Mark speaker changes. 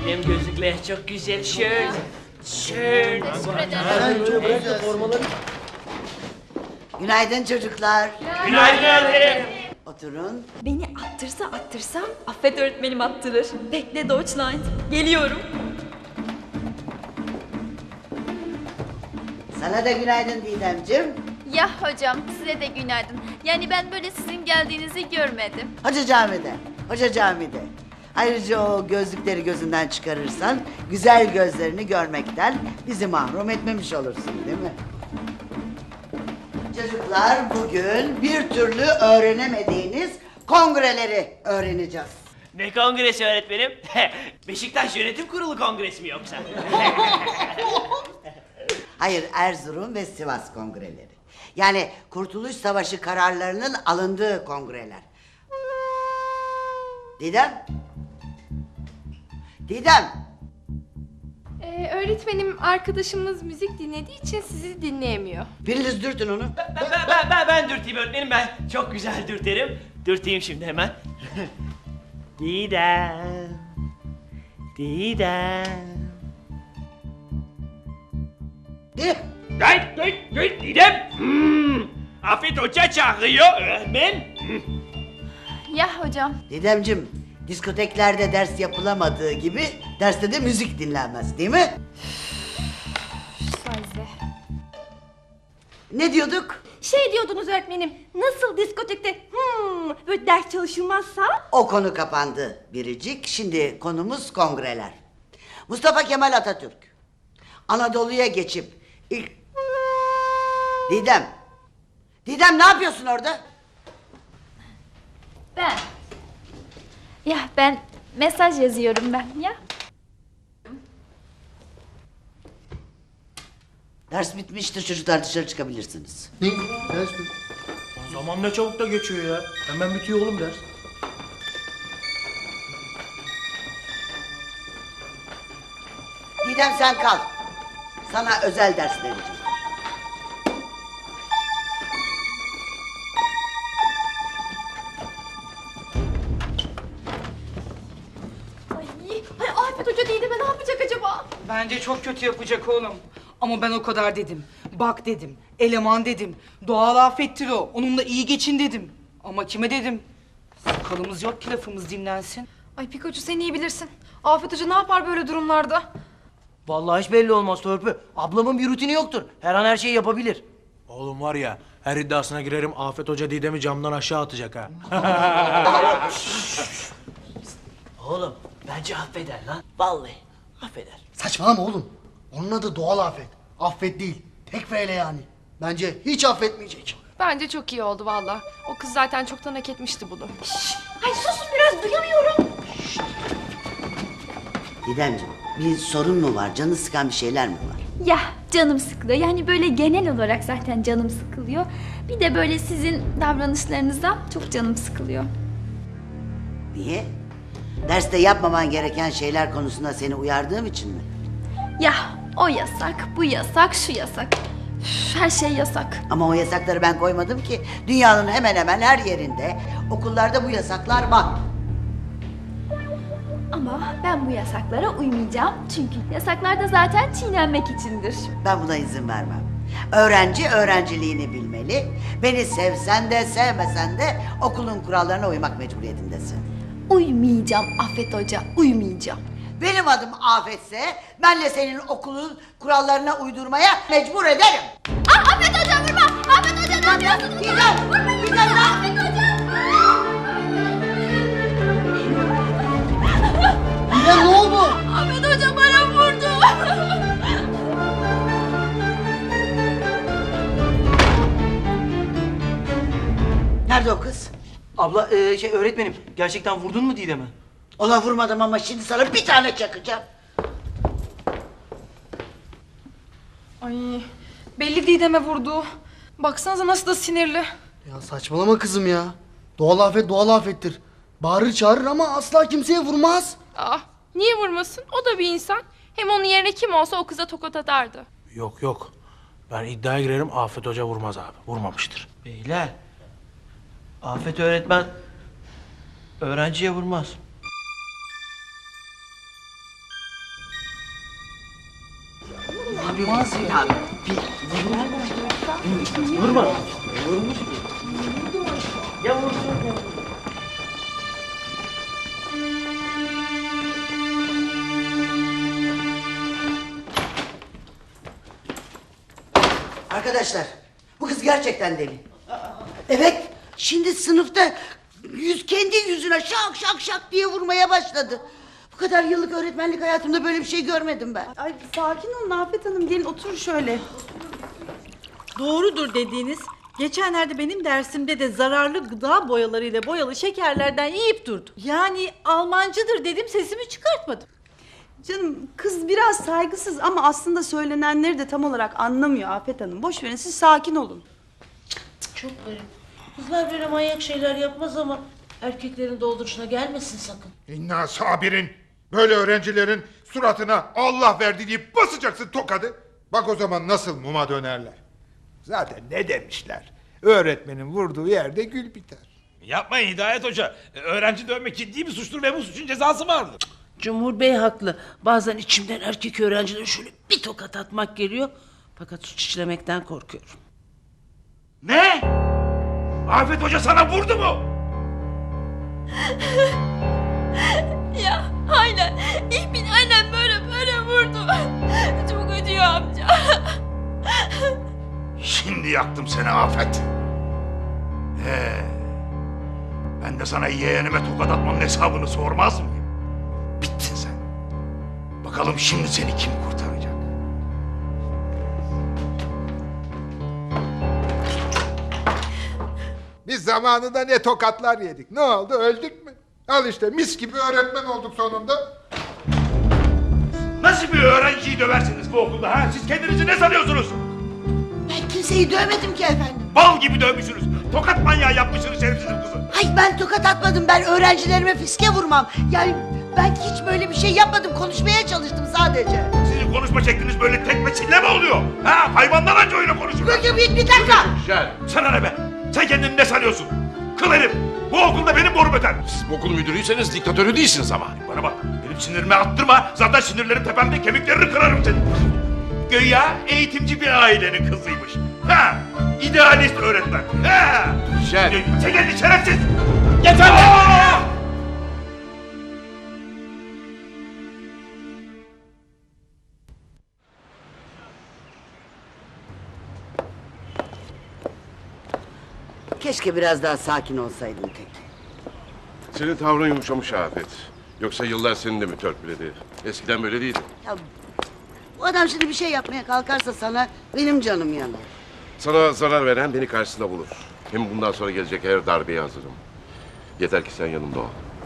Speaker 1: Benim gözlükler çok güzel. Şöyle. Şöyle.
Speaker 2: Günaydın çocuklar.
Speaker 1: Günaydın öğretmenim.
Speaker 2: Oturun.
Speaker 3: Beni attırsa Affet öğretmenim attırır. Bekle Deutschland. Geliyorum.
Speaker 2: Sana da günaydın Didemciğim.
Speaker 4: Ya hocam size de günaydın. Yani ben böyle sizin geldiğinizi görmedim.
Speaker 2: Hoca camide. Ayrıca o gözlükleri gözünden çıkarırsan güzel gözlerini görmekten bizi mahrum etmemiş olursun değil mi? Çocuklar bugün bir türlü öğrenemediğiniz kongreleri öğreneceğiz.
Speaker 1: Ne kongresi öğretmenim? Beşiktaş Yönetim Kurulu kongresi mi yoksa?
Speaker 2: Hayır, Erzurum ve Sivas kongreleri. Yani Kurtuluş Savaşı kararlarının alındığı kongreler. Didem? Didem!
Speaker 5: Öğretmenim arkadaşımız müzik dinlediği için sizi dinleyemiyor.
Speaker 2: Biriniz dürtün onu.
Speaker 1: Ben dürteyim öğretmenim, ben çok güzel dürterim. Dürteyim şimdi hemen. Didem. Didem. Didem. Afet Hoca çağırıyor öğretmen.
Speaker 4: Ya hocam.
Speaker 2: Didemcim, diskoteklerde ders yapılamadığı gibi derste de müzik dinlenmez değil mi?
Speaker 5: Sayze.
Speaker 2: Ne diyorduk?
Speaker 5: Şey diyordunuz öğretmenim, nasıl diskotekte böyle ders çalışılmazsa?
Speaker 2: O konu kapandı Biricik. Şimdi konumuz kongreler. Mustafa Kemal Atatürk Anadolu'ya geçip ilk... Didem! Didem ne yapıyorsun orada?
Speaker 4: Ben mesaj yazıyorum ben ya.
Speaker 2: Ders bitmiştir çocuklar, dışarı çıkabilirsiniz.
Speaker 6: Ne? Ders mi? Zaman ne çabuk da geçiyor ya. Hemen bitiyor oğlum ders.
Speaker 2: Didem sen kal. Sana özel ders vereceğim.
Speaker 5: Ay Afet Hoca değil de ne yapacak acaba?
Speaker 7: Bence çok kötü yapacak oğlum. Ama ben o kadar dedim. Bak dedim. Eleman dedim. Doğal afettir o. Onunla iyi geçin dedim. Ama kime dedim? Sakalımız yok ki lafımız dinlensin.
Speaker 5: Ay Pikachu sen iyi bilirsin. Afet Hoca ne yapar böyle durumlarda?
Speaker 8: Vallahi hiç belli olmaz Törpü. Ablamın bir rutini yoktur. Her an her şeyi yapabilir.
Speaker 6: Oğlum var ya, her iddiasına girerim Afet Hoca Didem'i camdan aşağı atacak ha.
Speaker 8: Oğlum bence affeder lan. Vallahi affeder.
Speaker 9: Saçmalama oğlum. Onun adı doğal afet. Affet değil. Tek ve ele yani. Bence hiç affetmeyecek.
Speaker 5: Bence çok iyi oldu valla. O kız zaten çoktan hak etmişti bunu.
Speaker 3: Ay susun biraz duyamıyorum.
Speaker 2: Didemciğim, bir sorun mu var? Canı sıkan bir şeyler mi var?
Speaker 3: Ya canım sıkılıyor. Yani böyle genel olarak zaten canım sıkılıyor. Bir de böyle sizin davranışlarınızdan çok canım sıkılıyor.
Speaker 2: Niye? Derste yapmaman gereken şeyler konusunda seni uyardığım için mi?
Speaker 3: Ya o yasak, bu yasak, şu yasak. Üf, her şey yasak.
Speaker 2: Ama o yasakları ben koymadım ki. Dünyanın hemen hemen her yerinde okullarda bu yasaklar var.
Speaker 3: Ama ben bu yasaklara uymayacağım. Çünkü yasaklar da zaten çiğnenmek içindir.
Speaker 2: Ben buna izin vermem. Öğrenci öğrenciliğini bilmeli. Beni sevsen de sevmesen de okulun kurallarına uymak mecburiyetindesin.
Speaker 3: Uymayacağım Affet Hoca, uymayacağım.
Speaker 2: Benim adım Afetse ben de senin okulun kurallarına uydurmaya mecbur ederim.
Speaker 4: Afet Hoca vurma! Afet Hoca ne yapıyorsunuz?
Speaker 2: Didem ne?
Speaker 4: Afet Hoca!
Speaker 9: Didem ne oldu?
Speaker 4: Afet Hoca bana vurdu!
Speaker 2: Nerede o kız?
Speaker 8: Abla öğretmenim gerçekten vurdun mu Didem'i?
Speaker 2: Ona vurmadım ama şimdi sana bir tane çakacağım.
Speaker 5: Ay belli Didem'e vurdu. Baksanıza nasıl da sinirli.
Speaker 9: Ya saçmalama kızım ya. Doğal afet doğal afettir. Bağırır çağırır ama asla kimseye vurmaz.
Speaker 5: Niye vurmasın? O da bir insan. Hem onun yerine kim olsa o kıza tokat atardı.
Speaker 6: Yok. Ben iddiaya girerim Afet Hoca vurmaz abi. Vurmamıştır.
Speaker 8: Beyler. Afet öğretmen öğrenciye vurmaz.
Speaker 7: Yapmaz ya.
Speaker 1: Vurma. Vurmuş mu? Ya vursun ya.
Speaker 2: Arkadaşlar, bu kız gerçekten deli. Evet, şimdi sınıfta kendi yüzüne şak şak şak diye vurmaya başladı. Bu kadar yıllık öğretmenlik hayatımda böyle bir şey görmedim ben.
Speaker 10: Ay sakin olun Afet Hanım, gelin oturun şöyle. Doğrudur dediğiniz. Geçenlerde benim dersimde de zararlı gıda boyalarıyla boyalı şekerlerden yiyip durdu. Yani Almancıdır dedim, sesimi çıkartmadım. Canım kız biraz saygısız ama aslında söylenenleri de tam olarak anlamıyor Afet Hanım. Boş verin, siz sakin olun.
Speaker 11: Çok garip. Kızlar böyle manyak şeyler yapmaz ama erkeklerin dolduruşuna gelmesin sakın.
Speaker 12: İnna sabirin. Böyle öğrencilerin suratına Allah verdi deyip basacaksın tokadı. Bak o zaman nasıl muma dönerler. Zaten ne demişler? Öğretmenin vurduğu yerde gül biter.
Speaker 6: Yapmayın Hidayet Hoca. Öğrenci dövmek ciddi bir suçtur ve bu suçun cezası vardır.
Speaker 11: Cumhur Bey haklı. Bazen içimden erkek öğrencilere şöyle bir tokat atmak geliyor. Fakat suç işlemekten korkuyorum.
Speaker 6: Ne? Afet Hoca sana vurdu mu?
Speaker 4: Ya aynen. Ich bin aynen böyle vurdu. Çok ödüyor amca.
Speaker 12: Şimdi yaktım seni Afet. Ben de sana yeğenime tokat atmanın hesabını sormaz mıyım? Bittin sen. Bakalım şimdi seni kim kurtaracak? Biz zamanında ne tokatlar yedik. Ne oldu? Öldük mü? Al işte mis gibi öğretmen olduk sonunda.
Speaker 6: Nasıl bir öğrenciyi döversiniz bu okulda ha? Siz kendinizi ne sanıyorsunuz?
Speaker 2: Ben kimseyi dövmedim ki efendim.
Speaker 6: Bal gibi dövmüşsünüz. Tokat manyağı yapmışsınız şerefsizin kızı.
Speaker 2: Hayır, ben tokat atmadım, ben öğrencilerime fiske vurmam. Yani ben hiç böyle bir şey yapmadım, konuşmaya çalıştım sadece.
Speaker 6: Sizin konuşma şekliniz böyle tekme çille mi oluyor? Ha? Hayvanlar anca öyle konuşur.
Speaker 2: Bir dakika.
Speaker 6: Sana ne be? Sen kendini ne sanıyorsun? Kıl herif! Bu okulda benim borum öter.
Speaker 12: Siz bu okul müdürüyseniz diktatörü değilsiniz ama.
Speaker 6: Bana bak, benim sinirimi attırma. Zaten sinirlerim tepemde, kemiklerini kırarım senin. Güya eğitimci bir ailenin kızıymış. Ha! İdealist öğretmen. Ha! Sen kendin şerefsiz! Yeter be!
Speaker 2: Keşke biraz daha sakin olsaydın tek.
Speaker 13: Senin tavrın yumuşamış Afet. Yoksa yıllar seni de mi törpüledi? Eskiden böyle değildi.
Speaker 2: Ya, bu adam şimdi bir şey yapmaya kalkarsa sana benim canım yanar.
Speaker 13: Sana zarar veren beni karşısında bulur. Hem bundan sonra gelecek her darbeye hazırım. Yeter ki sen yanımda ol.